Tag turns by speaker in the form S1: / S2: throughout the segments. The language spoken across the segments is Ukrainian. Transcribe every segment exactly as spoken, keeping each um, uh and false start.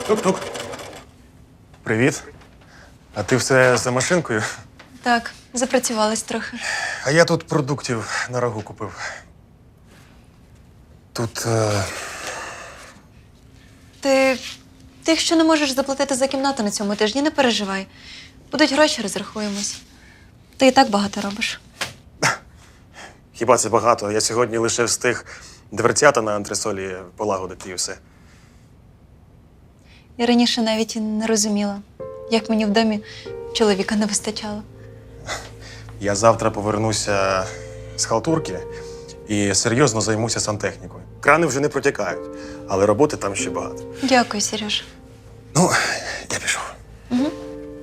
S1: Тук-тук. Привіт. А ти все за машинкою?
S2: Так, запрацювалась трохи.
S1: А я тут продуктів на рагу купив. Тут. Е...
S2: Ти. Ти, якщо не можеш заплатити за кімнату на цьому тижні, не переживай. Будуть гроші, розрахуємось. Ти і так багато робиш.
S1: Хіба це багато? Я сьогодні лише встиг дверцята на антресолі полагодити і все.
S2: Я раніше навіть і не розуміла, як мені в домі чоловіка не вистачало.
S1: Я завтра повернуся з халтурки і серйозно займуся сантехнікою. Крани вже не протікають, але роботи там ще багато.
S2: Дякую, Сереж.
S1: Ну, я пішов.
S2: Угу.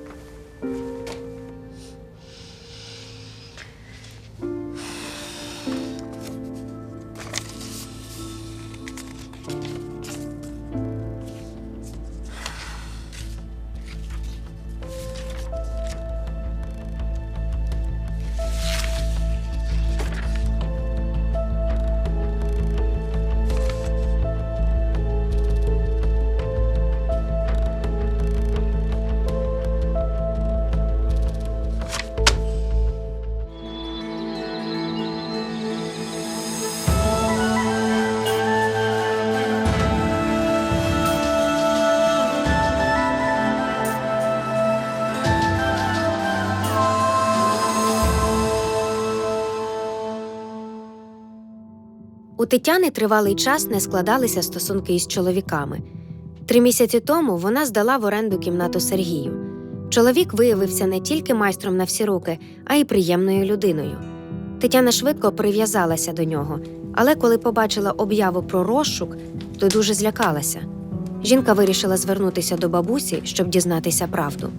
S3: У Тетяни тривалий час не складалися стосунки із чоловіками. Три місяці тому вона здала в оренду кімнату Сергію. Чоловік виявився не тільки майстром на всі руки, а й приємною людиною. Тетяна швидко прив'язалася до нього, але коли побачила об'яву про розшук, то дуже злякалася. Жінка вирішила звернутися до бабусі, щоб дізнатися правду.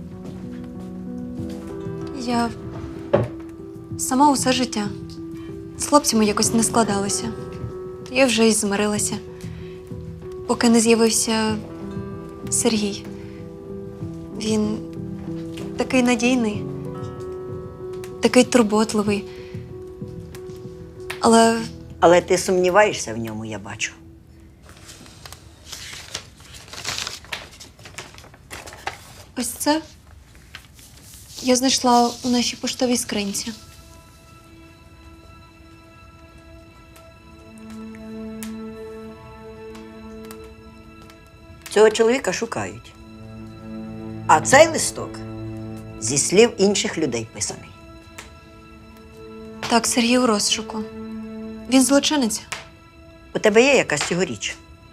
S2: Я сама усе життя. З хлопцями якось не складалося. Я вже й змирилася, поки не з'явився Сергій. Він такий надійний, такий турботливий. Але…
S4: Але ти сумніваєшся в ньому, я бачу.
S2: Ось це я знайшла у нашій поштовій скринці.
S4: Цього чоловіка шукають. А цей листок зі слів інших людей писаний.
S2: Так, Сергій у розшуку. Він злочинець.
S4: У тебе є якась його річ?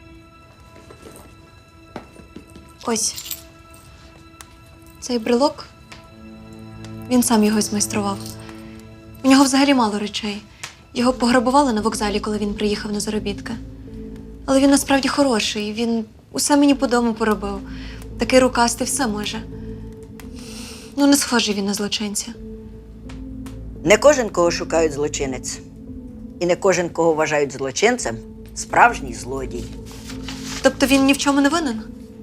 S2: Ось. Цей брелок, він сам його змайстрував. У нього взагалі мало речей. Його пограбували на вокзалі, коли він приїхав на заробітки. Але він насправді хороший. Він усе мені по дому поробив. Такий рукастий, все може. Ну, не схожий він на злочинця.
S4: Не кожен, кого шукають, злочинець. І не кожен, кого вважають злочинцем, справжній злодій.
S2: Тобто він ні в чому не винен?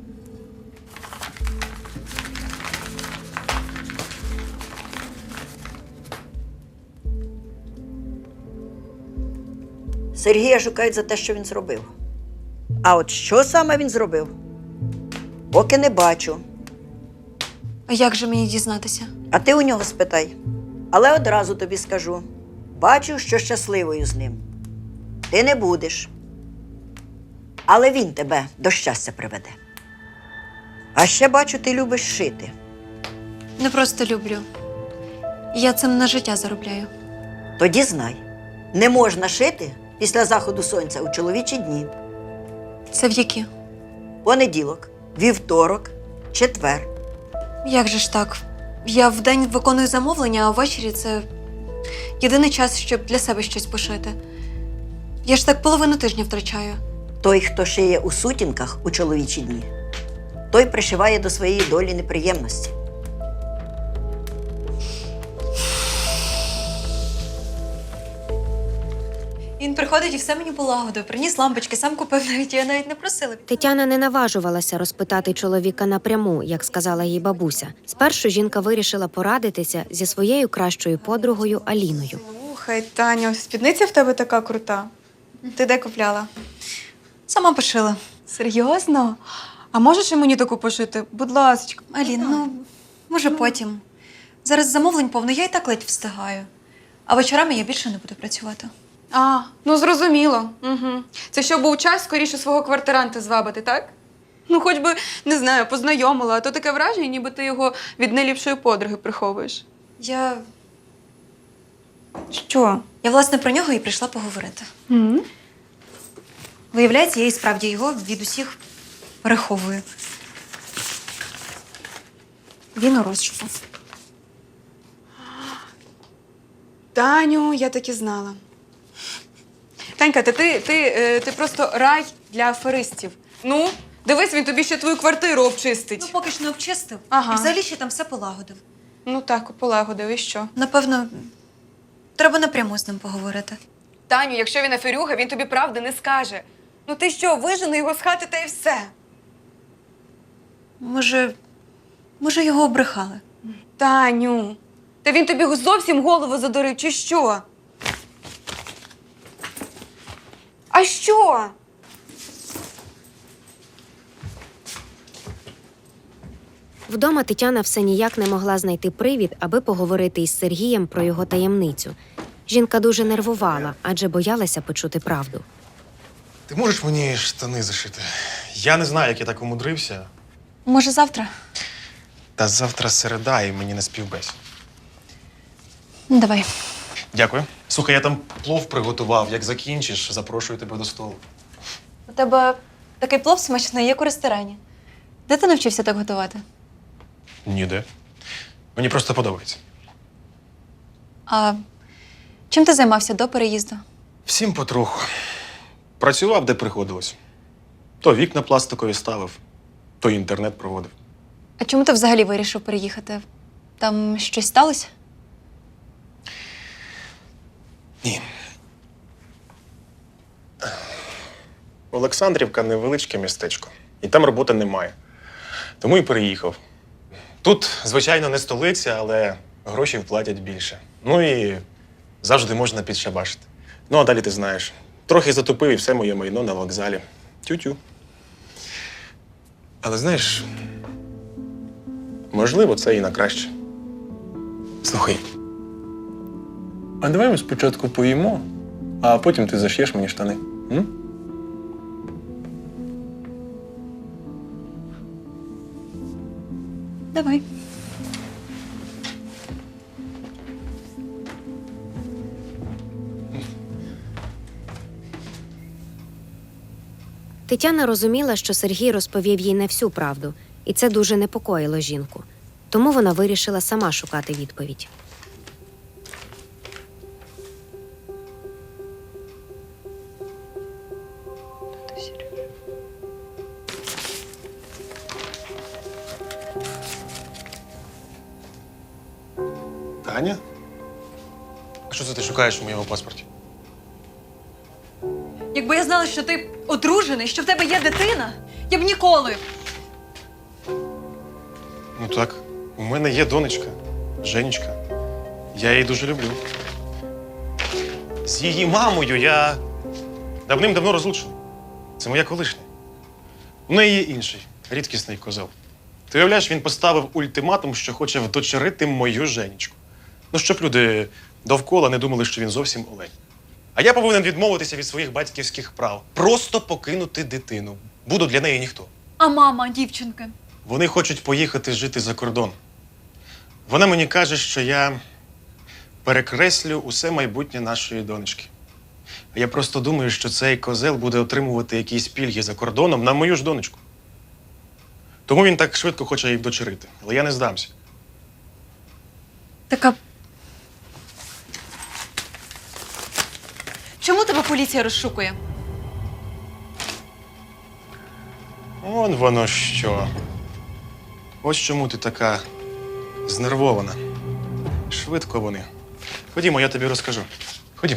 S4: Сергія шукають за те, що він зробив. А от що саме він зробив? Поки не бачу.
S2: А як же мені дізнатися?
S4: А ти у нього спитай. Але одразу тобі скажу. Бачу, що щасливою з ним. Ти не будеш. Але він тебе до щастя приведе. А ще бачу, ти любиш шити.
S2: Не просто люблю. Я цим на життя заробляю.
S4: Тоді знай, не можна шити після заходу сонця у чоловічі дні.
S2: Це в які?
S4: Понеділок, вівторок, четвер.
S2: Як же ж так? Я вдень виконую замовлення, а ввечері це єдиний час, щоб для себе щось пошити. Я ж так половину тижня втрачаю.
S4: Той, хто шиє у сутінках у чоловічі дні, той пришиває до своєї долі неприємності.
S2: Він приходить і все мені полагодив. Приніс лампочки, сам купив навіть, я навіть не просила.
S3: Тетяна не наважувалася розпитати чоловіка напряму, як сказала їй бабуся. Спершу жінка вирішила порадитися зі своєю кращою подругою Аліною.
S5: Слухай, Таню, спідниця в тебе така крута. Ти де купляла?
S2: Сама пошила.
S5: Серйозно? А можеш і мені таку пошити? Будь ласка.
S2: Алін, ну, може потім. Зараз замовлень повно, я і так ледь встигаю. А вечорами я більше не буду працювати.
S5: А, ну зрозуміло. Угу. Це щоб був час скоріше свого квартиранта звабити, так? Ну, хоч би, не знаю, познайомила, а то таке враження, ніби ти його від найліпшої подруги приховуєш.
S2: Я.
S5: Що?
S2: Я, власне, про нього і прийшла поговорити.
S5: Угу.
S2: Виявляється, я і справді його від усіх переховую. Він у розшуку.
S5: Таню, я так і знала. Танька, та ти, ти, е, ти просто рай для аферистів. Ну, дивись, він тобі ще твою квартиру обчистить.
S2: Ну, поки ж не обчистив.
S5: Ага.
S2: І взагалі ще там все полагодив.
S5: Ну так, полагодив, і що?
S2: Напевно, треба напряму з ним поговорити.
S5: Таню, якщо він аферюга, він тобі правди не скаже. Ну ти що, вижени його з хати та й все.
S2: Може, може, його обрехали.
S5: Таню, та він тобі зовсім голову задурив, чи що? А що?
S3: Вдома Тетяна все ніяк не могла знайти привід, аби поговорити із Сергієм про його таємницю. Жінка дуже нервувала, адже боялася почути правду.
S1: Ти можеш мені штани зашити? Я не знаю, як я так умудрився.
S2: Може, завтра?
S1: Та завтра середа, і мені не співбесь.
S2: Ну, давай.
S1: Дякую. Слухай, я там плов приготував. Як закінчиш, запрошую тебе до столу.
S2: У тебе такий плов смачний, як у ресторані. Де ти навчився так готувати?
S1: Ніде. Мені просто подобається.
S2: А чим ти займався до переїзду?
S1: Всім потроху. Працював, де приходилось. То вікна пластикові ставив, то інтернет проводив.
S2: А чому ти взагалі вирішив переїхати? Там щось сталося?
S1: Ні. Олександрівка невеличке містечко. І там роботи немає. Тому і переїхав. Тут, звичайно, не столиця, але гроші платять більше. Ну і завжди можна підшабашити. Ну, а далі ти знаєш. Трохи затупив і все моє майно на вокзалі. Тю-тю. Але знаєш, можливо, це і на краще. Слухай. А давай ми спочатку поїмо, а потім ти заш'єш мені штани. М?
S2: Давай.
S3: Тетяна розуміла, що Сергій розповів їй не всю правду, і це дуже непокоїло жінку. Тому вона вирішила сама шукати відповідь.
S1: Таня? А що це ти шукаєш у моєму паспорті?
S2: Якби я знала, що ти одружений, що в тебе є дитина, я б ніколи.
S1: Ну так, у мене є донечка, Женечка. Я її дуже люблю. З її мамою я давним-давно розлучений. Це моя колишня. У неї є інший, рідкісний козел. Ти уявляєш, він поставив ультиматум, що хоче вдочерити мою Женечку. Ну, щоб люди довкола не думали, що він зовсім олень. А я повинен відмовитися від своїх батьківських прав. Просто покинути дитину. Буду для неї ніхто.
S2: А мама, дівчинки?
S1: Вони хочуть поїхати жити за кордон. Вона мені каже, що я перекреслю усе майбутнє нашої донечки. А я просто думаю, що цей козел буде отримувати якісь пільги за кордоном на мою ж донечку. Тому він так швидко хоче її вдочерити. Але я не здамся.
S2: Така. Чому тебе поліція розшукує?
S1: Он воно що. Ось чому ти така знервована. Швидко вони. Ходімо, я тобі розкажу. Ходім.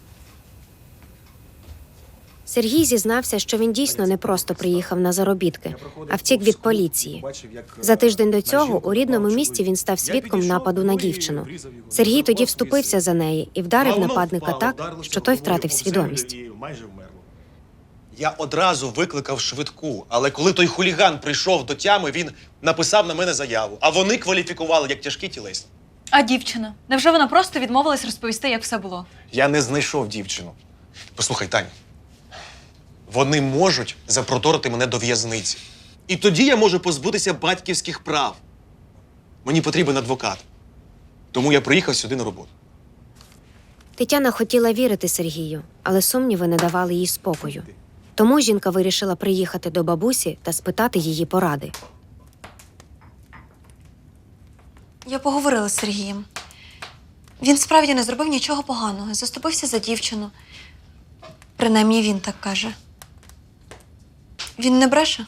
S3: Сергій зізнався, що він дійсно не просто приїхав на заробітки, а втік від поліції. За тиждень до цього у рідному місті він став свідком нападу на дівчину. Сергій тоді вступився за неї і вдарив нападника так, що той втратив свідомість.
S1: Я одразу викликав швидку, але коли той хуліган прийшов до тями, він написав на мене заяву, а вони кваліфікували як тяжкі тілесні.
S6: А дівчина? Невже вона просто відмовилась розповісти, як все було?
S1: Я не знайшов дівчину. Послухай, Тань, вони можуть запроторити мене до в'язниці. І тоді я можу позбутися батьківських прав. Мені потрібен адвокат. Тому я приїхав сюди на роботу.
S3: Тетяна хотіла вірити Сергію, але сумніви не давали їй спокою. Тому жінка вирішила приїхати до бабусі та спитати її поради.
S2: Я поговорила з Сергієм. Він справді не зробив нічого поганого, заступився за дівчину. Принаймні він так каже. Він не бреше.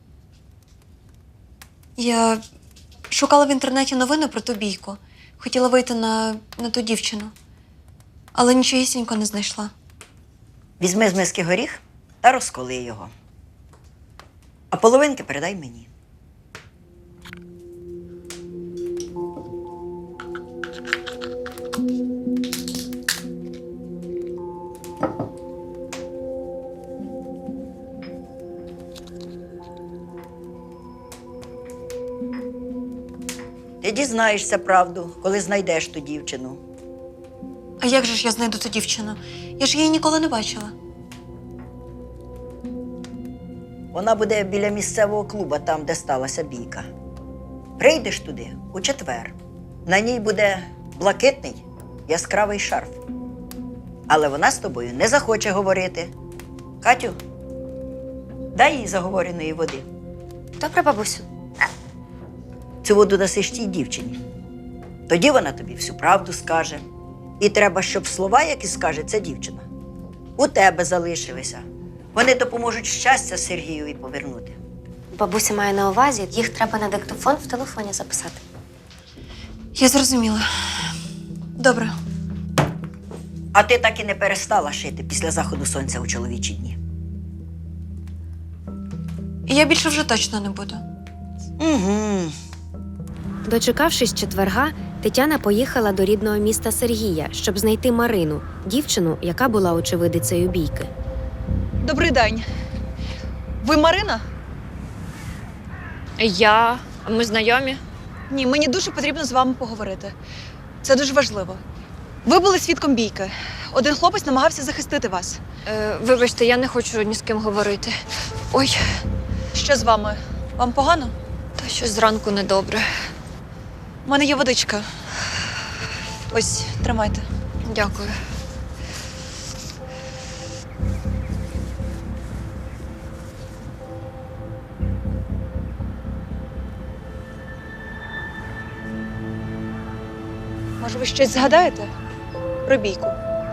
S2: Я шукала в інтернеті новини про ту бійку. Хотіла вийти на, на ту дівчину. Але нічогісінько не знайшла.
S4: Візьми з миски горіх та розколи його. А половинки передай мені. Ти дізнаєшся правду, коли знайдеш ту дівчину.
S2: А як же ж я знайду ту дівчину? Я ж її ніколи не бачила.
S4: Вона буде біля місцевого клуба, там, де сталася бійка. Прийдеш туди у четвер. На ній буде блакитний яскравий шарф. Але вона з тобою не захоче говорити. Катю, дай їй заговореної води.
S3: Добре, бабусю.
S4: Цю воду дасиш тій дівчині. Тоді вона тобі всю правду скаже. І треба, щоб слова, які скаже ця дівчина, у тебе залишилися. Вони допоможуть щастя Сергієві повернути.
S3: Бабуся має на увазі, їх треба на диктофон в телефоні записати.
S2: Я зрозуміла. Добре.
S4: А ти так і не перестала шити після заходу сонця у чоловічі дні.
S2: І я більше вже точно не буду.
S4: Угу.
S3: Дочекавшись четверга, Тетяна поїхала до рідного міста Сергія, щоб знайти Марину, дівчину, яка була очевидицею бійки.
S6: Добрий день. Ви Марина?
S7: Я. Ми знайомі?
S6: Ні, мені дуже потрібно з вами поговорити. Це дуже важливо. Ви були свідком бійки. Один хлопець намагався захистити вас.
S7: Е, вибачте, я не хочу ні з ким говорити. Ой,
S6: Що з вами? Вам погано?
S7: та щось зранку недобре.
S6: У мене є водичка. Ось, тримайте.
S7: Дякую.
S6: Може, ви щось згадаєте про бійку?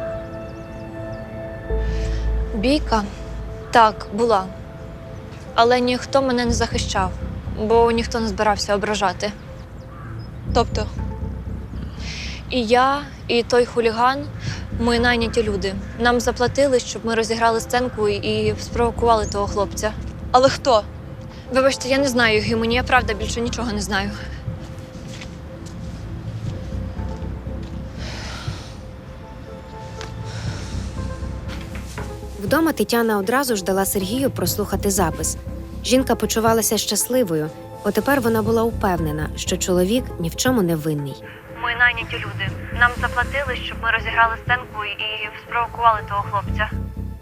S7: Бійка? Так, була. Але ніхто мене не захищав, бо ніхто не збирався ображати.
S6: Тобто,
S7: І я, і той хуліган, ми найняті люди. Нам заплатили, щоб ми розіграли сценку і спровокували того хлопця.
S6: але хто?
S7: Вибачте, я не знаю його імені, я правда більше нічого не знаю.
S3: Вдома Тетяна одразу ж дала Сергію прослухати запис. Жінка почувалася щасливою, бо тепер вона була упевнена, що чоловік ні в чому не винний.
S7: Ми найняті люди. Нам заплатили, щоб ми розіграли сценку і спровокували того хлопця.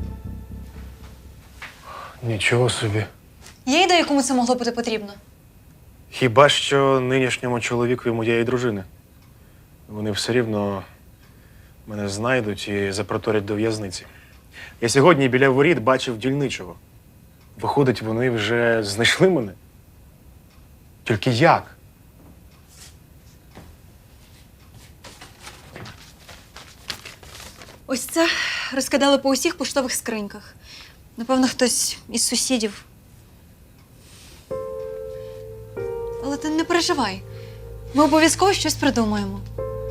S1: Нічого собі.
S6: Є ідея, кому це могло бути потрібно?
S1: Хіба що нинішньому чоловікові моєї дружини. Вони все рівно мене знайдуть і запроторять до в'язниці. Я сьогодні біля воріт бачив дільничого. Виходить, вони вже знайшли мене? Тільки як?
S2: Ось це розкидали по усіх поштових скриньках. Напевно, хтось із сусідів. Але ти не переживай. Ми обов'язково щось придумаємо.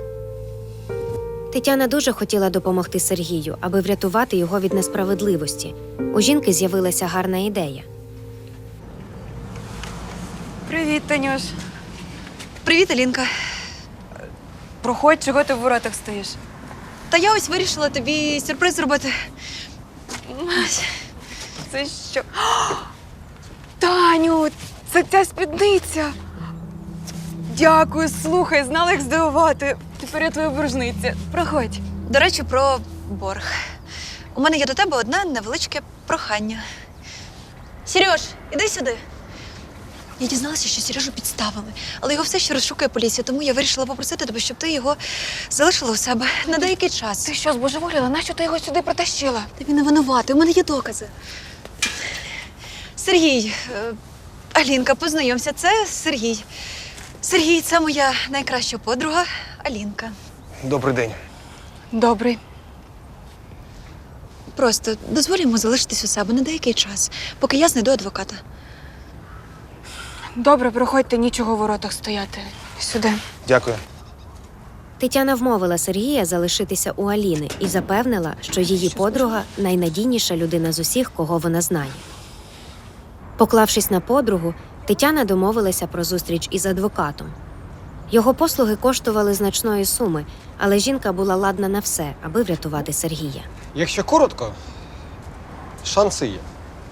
S3: Тетяна дуже хотіла допомогти Сергію, аби врятувати його від несправедливості. У жінки з'явилася гарна ідея.
S5: Привіт, Танюш. Привіт, Алінка. Проходь, чого ти в воротах стоїш? Та я ось вирішила тобі сюрприз зробити. Це що? Таню, це ця спідниця. Дякую, слухай, знала, як здивувати. Тепер я твоя боржниця. Проходь.
S6: До речі, про борг. У мене є до тебе одне невеличке прохання. Сереж, іди сюди. Я дізналася, що Сережу підставили, але його все ще розшукує поліція, тому я вирішила попросити тебе, щоб ти його залишила у себе на деякий час.
S5: Ти що, збожеволіла? Нащо ти його сюди притащила?
S6: Та він не винуватий, у мене є докази. Сергій, е, Алінка, познайомся, це Сергій. Сергій, це моя найкраща подруга Алінка.
S8: Добрий день.
S5: Добрий.
S6: Просто дозволь йому залишитись у себе на деякий час, поки я знайду адвоката.
S5: Добре, проходьте, нічого в воротах стояти. Сюди.
S8: Дякую.
S3: Тетяна вмовила Сергія залишитися у Аліни і запевнила, що її подруга найнадійніша людина з усіх, кого вона знає. Поклавшись на подругу, Тетяна домовилася про зустріч із адвокатом. Його послуги коштували значної суми, але жінка була ладна на все, аби врятувати Сергія.
S8: Якщо коротко, шанси є.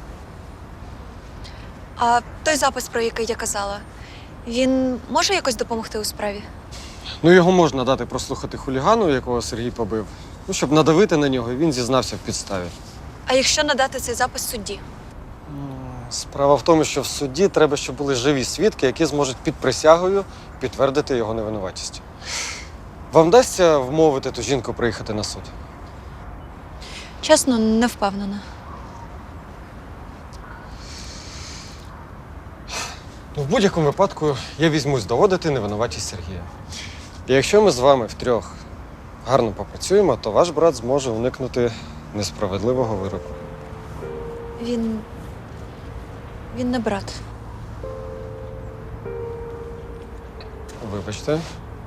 S6: А той запис, про який я казала, він може якось допомогти у справі?
S8: Ну, його можна дати прослухати хулігану, якого Сергій побив, ну, щоб надавити на нього, і він зізнався в підставі.
S6: А якщо надати цей запис судді?
S8: Справа в тому, що в суді треба, щоб були живі свідки, які зможуть під присягою підтвердити його невинуватість. Вам вдасться вмовити ту жінку приїхати на суд?
S6: Чесно, не впевнена.
S8: Ну, в будь-якому випадку я візьмусь доводити невинуватість Сергія. І якщо ми з вами втрьох гарно попрацюємо, то ваш брат зможе уникнути несправедливого вироку.
S6: Він. Він не брат.
S8: Вибачте.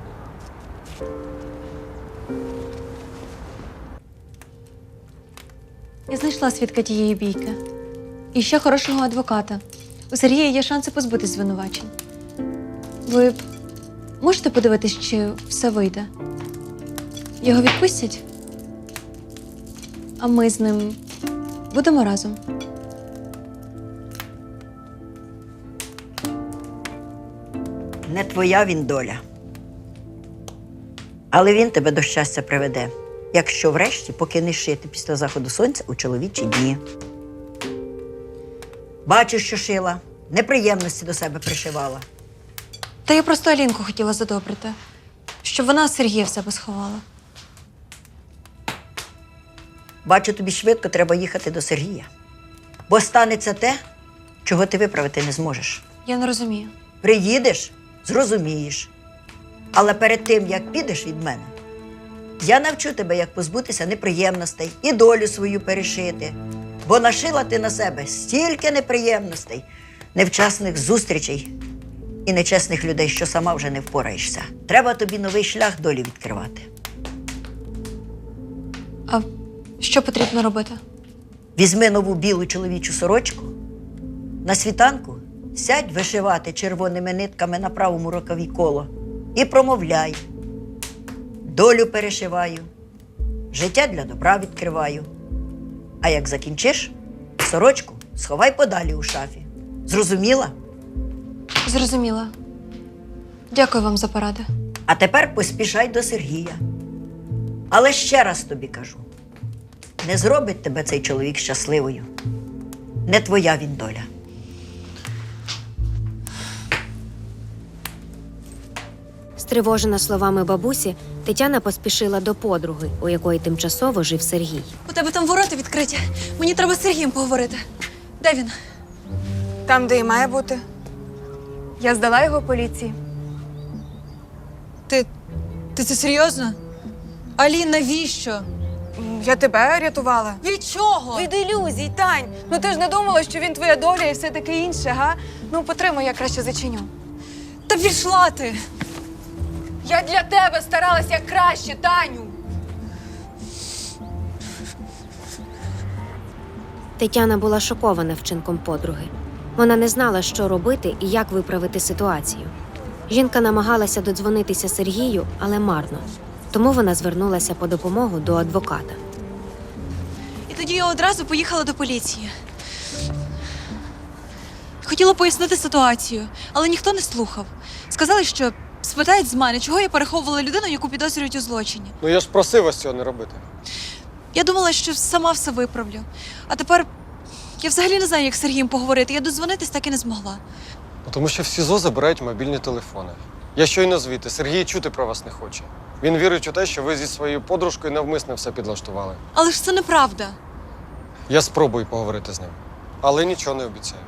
S2: Я знайшла свідка тієї бійки. І ще хорошого адвоката. У Сергія є шанси позбутись звинувачень. Ви можете подивитись, чи все вийде? Його відпустять? А ми з ним будемо разом.
S4: Не твоя він доля. Але він тебе до щастя приведе, якщо врешті покинеш шити після заходу сонця у чоловічі дні. Бачу, що шила, неприємності до себе пришивала.
S2: Та я просто Алінку хотіла задобрити, щоб вона Сергія в себе сховала.
S4: Бачу, тобі швидко треба їхати до Сергія. Бо станеться те, чого ти виправити не зможеш.
S2: Я не розумію.
S4: Приїдеш – зрозумієш. Але перед тим, як підеш від мене, я навчу тебе, як позбутися неприємностей і долю свою перешити. Бо нашила ти на себе стільки неприємностей, невчасних зустрічей і нечесних людей, що сама вже не впораєшся. Треба тобі новий шлях долі відкривати.
S2: А що потрібно робити?
S4: Візьми нову білу чоловічу сорочку, на світанку сядь вишивати червоними нитками на правому рукаві коло і промовляй. Долю перешиваю, життя для добра відкриваю. А як закінчиш, сорочку сховай подалі у шафі. Зрозуміла?
S2: Зрозуміла. Дякую вам за поради.
S4: А тепер поспішай до Сергія. Але ще раз тобі кажу, не зробить тебе цей чоловік щасливою. Не твоя він доля.
S3: Стривожена словами бабусі, Тетяна поспішила до подруги, у якої тимчасово жив Сергій.
S6: У тебе там ворота відкриті. Мені треба з Сергієм поговорити. Де він?
S5: Там, де і має бути. Я здала його поліції.
S6: Ти. Ти це серйозно? Алін, навіщо?
S5: М, Я тебе рятувала.
S6: Від чого?
S5: Від ілюзій, Тань. Ну ти ж не думала, що він твоя доля і все таке інше, га? Ну, потримай, я краще зачиню.
S6: Та пішла ти!
S5: Я для тебе старалась як краще, Таню.
S3: Тетяна була шокована вчинком подруги. Вона не знала, що робити і як виправити ситуацію. Жінка намагалася додзвонитися Сергію, але марно. Тому вона звернулася по допомогу до адвоката.
S6: І тоді я одразу поїхала до поліції. Хотіла пояснити ситуацію, але ніхто не слухав. Сказали, що спитають з мене, чого я переховувала людину, яку підозрюють у злочині.
S8: Ну я ж просив вас цього не робити.
S6: Я думала, що сама все виправлю. А тепер я взагалі не знаю, як з Сергієм поговорити. Я дозвонитись так і не змогла.
S8: Ну, тому що в СІЗО забирають мобільні телефони. Я щойно звідти, Сергій чути про вас не хоче. Він вірить у те, що ви зі своєю подружкою навмисно все підлаштували.
S6: Але ж це неправда.
S8: Я спробую поговорити з ним, але нічого не обіцяю.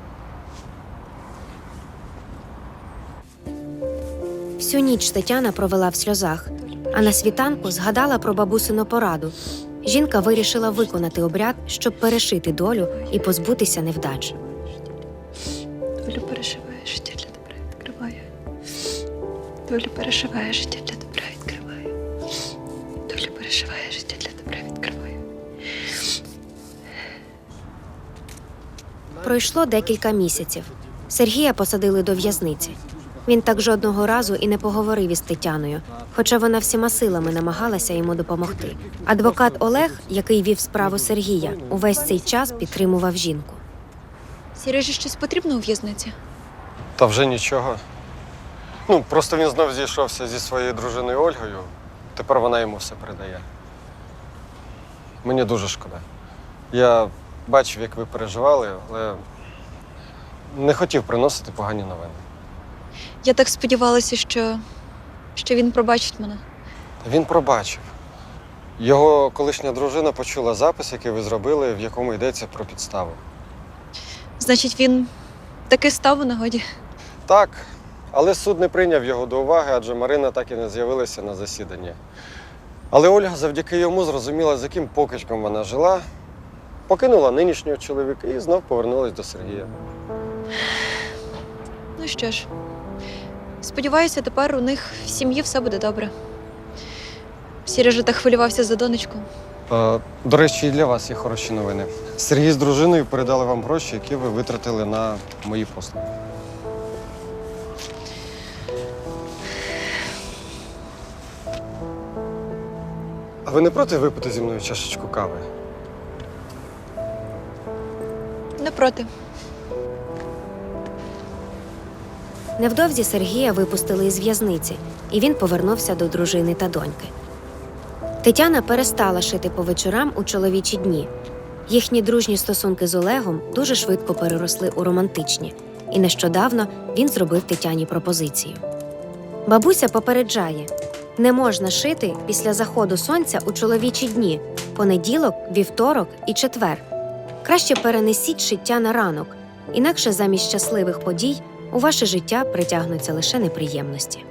S3: Всю ніч Тетяна провела в сльозах, а на світанку згадала про бабусину пораду. Жінка вирішила виконати обряд, щоб перешити долю і позбутися невдач.
S2: Долю перешиває, життя для добра відкриває. Долю перешиває, життя для добра відкриває. Долю перешиває, життя для добра відкриває.
S3: Пройшло декілька місяців. Сергія посадили до в'язниці. Він так жодного разу і не поговорив із Тетяною, хоча вона всіма силами намагалася йому допомогти. Адвокат Олег, який вів справу Сергія, увесь цей час підтримував жінку.
S2: Сережі щось потрібно у в'язниці?
S8: Та вже нічого. Ну, просто він знов зійшовся зі своєю дружиною Ольгою. Тепер вона йому все передає. Мені дуже шкода. Я бачив, як ви переживали, але не хотів приносити погані новини.
S2: Я так сподівалася, що, що він пробачить мене.
S8: Він пробачив. Його колишня дружина почула запис, який ви зробили, в якому йдеться про підставу.
S2: Значить, він таки став у нагоді.
S8: Так, але суд не прийняв його до уваги, адже Марина так і не з'явилася на засіданні. Але Ольга завдяки йому зрозуміла, з яким покидьком вона жила, покинула нинішнього чоловіка і знов повернулась до Сергія.
S2: Ну що ж, сподіваюся, тепер у них в сім'ї все буде добре. Сережа так хвилювався за донечку.
S8: Е, До речі, і для вас є хороші новини. Сергій з дружиною передали вам гроші, які ви витратили на мої послуги. А ви не проти випити зі мною чашечку кави?
S2: Не проти.
S3: Невдовзі Сергія випустили із в'язниці, і він повернувся до дружини та доньки. Тетяна перестала шити по вечорам у чоловічі дні. Їхні дружні стосунки з Олегом дуже швидко переросли у романтичні, і нещодавно він зробив Тетяні пропозицію. Бабуся попереджає – не можна шити після заходу сонця у чоловічі дні – понеділок, вівторок і четвер. Краще перенесіть шиття на ранок, інакше замість щасливих подій у ваше життя притягнуться лише неприємності.